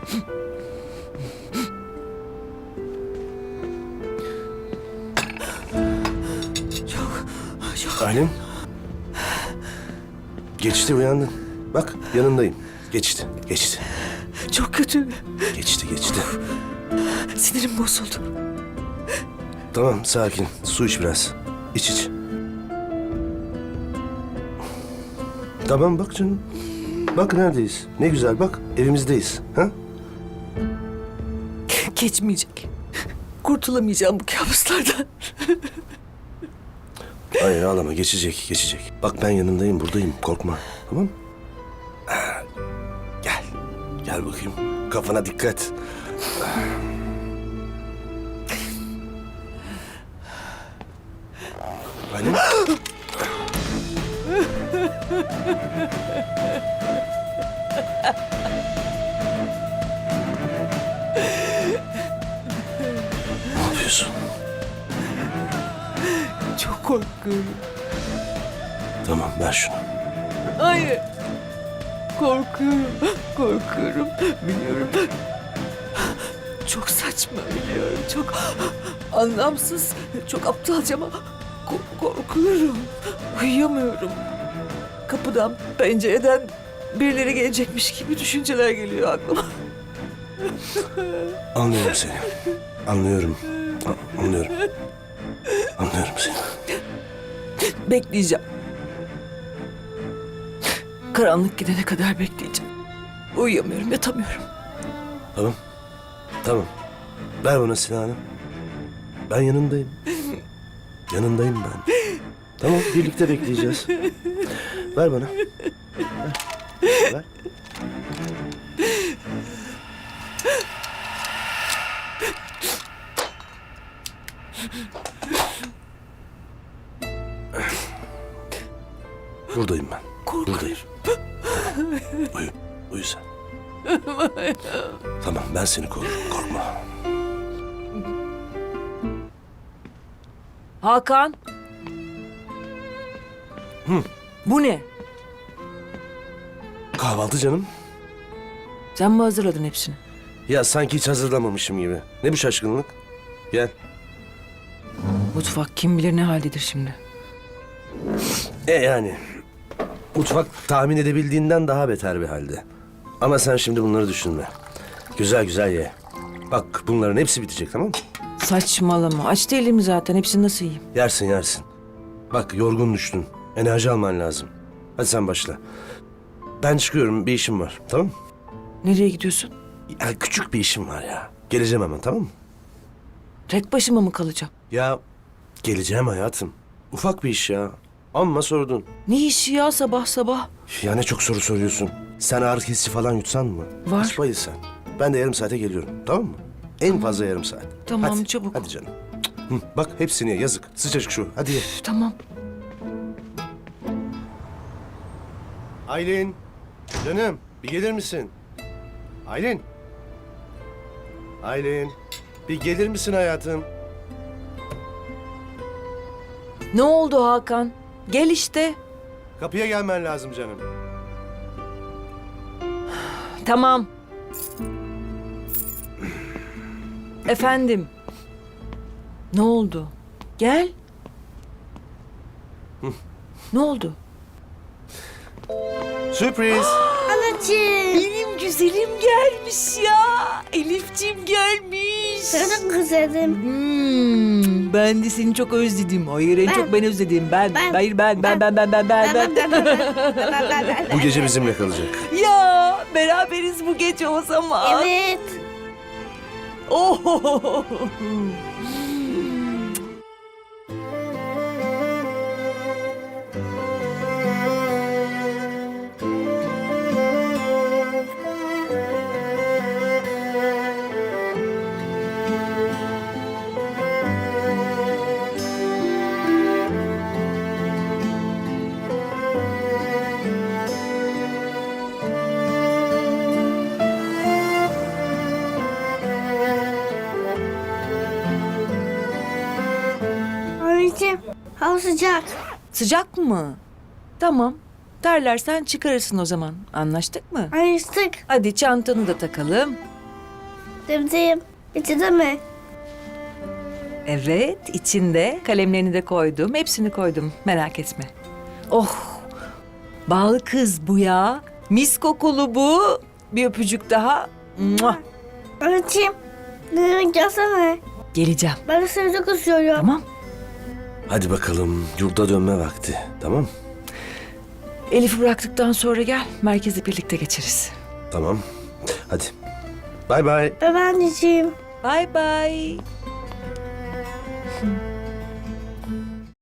Çok. Aylin. Geçti, uyandın. Bak yanındayım. Geçti. Çok kötü. Geçti. Sinirim bozuldu. Tamam, sakin. Su iç biraz. İç. Tamam, bak canım. Bak neredeyiz. Ne güzel, bak evimizdeyiz. Ha? Geçmeyecek. Kurtulamayacağım bu kabuslardan. Hayır, ağlama. Geçecek. Bak ben yanındayım, buradayım. Korkma. Tamam mı? Gel. Gel bakayım. Kafana dikkat. Aylin. Ne yapıyorsun? Çok korkuyorum. Tamam, ver şunu. Hayır. Korkuyorum. Biliyorum. Çok saçma biliyorum. Çok anlamsız, çok aptalca ama korkuyorum. Uyuyamıyorum. Kapıdan, pencereden birileri gelecekmiş gibi düşünceler geliyor aklıma. Anlıyorum seni. Anlıyorum. Anlıyorum seni. Bekleyeceğim. Karanlık gidene kadar bekleyeceğim. Uyuyamıyorum, yatamıyorum. Tamam. Ver bana silahını. Ben yanındayım. Yanındayım ben. Tamam, birlikte bekleyeceğiz. Ver bana. Ver. Buradayım ben. Buradayım. Uyu sen. Tamam, ben seni korurum. Korkma. Hakan. Bu ne? Kahvaltı canım. Sen mi hazırladın hepsini? Ya sanki hiç hazırlamamışım gibi. Ne bu şaşkınlık? Gel. Mutfak kim bilir ne haldedir şimdi. Yani mutfak tahmin edebildiğinden daha beter bir halde. Ama sen şimdi bunları düşünme. Güzel ye. Bak bunların hepsi bitecek, tamam mı? Saçmalama. Aç değilim zaten. Hepsini nasıl yiyeyim? Yersin. Bak yorgun düştün. Enerji alman lazım. Hadi sen başla. Ben çıkıyorum, bir işim var, tamam mı? Nereye gidiyorsun? Ya küçük bir işim var ya. Geleceğim hemen, tamam mı? Tek başıma mı kalacağım? Ya geleceğim hayatım. Ufak bir iş ya. Amma sordun. Ne işi ya sabah sabah? Ya ne çok soru soruyorsun. Sen ağrı kesici falan yutsan mı? Var. Hiç bayıl sen. Ben de yarım saate geliyorum, tamam mı? En fazla yarım saat. Tamam, Hadi, çabuk. Hadi canım. Hı, bak hepsini ye, yazık. Sıcacık şu. Hadi ye. Tamam. Aylin. Canım bir gelir misin? Aylin. Bir gelir misin hayatım? Ne oldu Hakan? Gel işte. Kapıya gelmen lazım canım. Tamam. Efendim. Ne oldu? Gel. Ne oldu? Sürpriz. Anacığım. Benim güzelim gelmiş ya. Elifciğim gelmiş. Çok güzelim. Ben de seni çok özledim. Hayır en çok ben özledim. Ben. Bu gece bizimle kalacak. Ya beraberiz bu gece o zaman. Evet. Oh. Anneciğim, hava sıcak. Sıcak mı? Tamam. Terlersen çıkarırsın o zaman. Anlaştık mı? Ayıstık. Hadi çantanı da takalım. Dedim. İçinde mi? Evet, içinde kalemlerini de koydum. Hepsini koydum. Merak etme. Oh, bal kız bu ya. Mis kokulu bu. Bir öpücük daha. Mua. Anneciğim. Dedim gelsene. Geleceğim. Ben de seni çok istiyorum. Tamam. Hadi bakalım yurda dönme vakti. Tamam? Elif'i bıraktıktan sonra gel. Merkezi birlikte geçeriz. Tamam. Hadi. Bay bay. Baba anneciğim. Bye bye.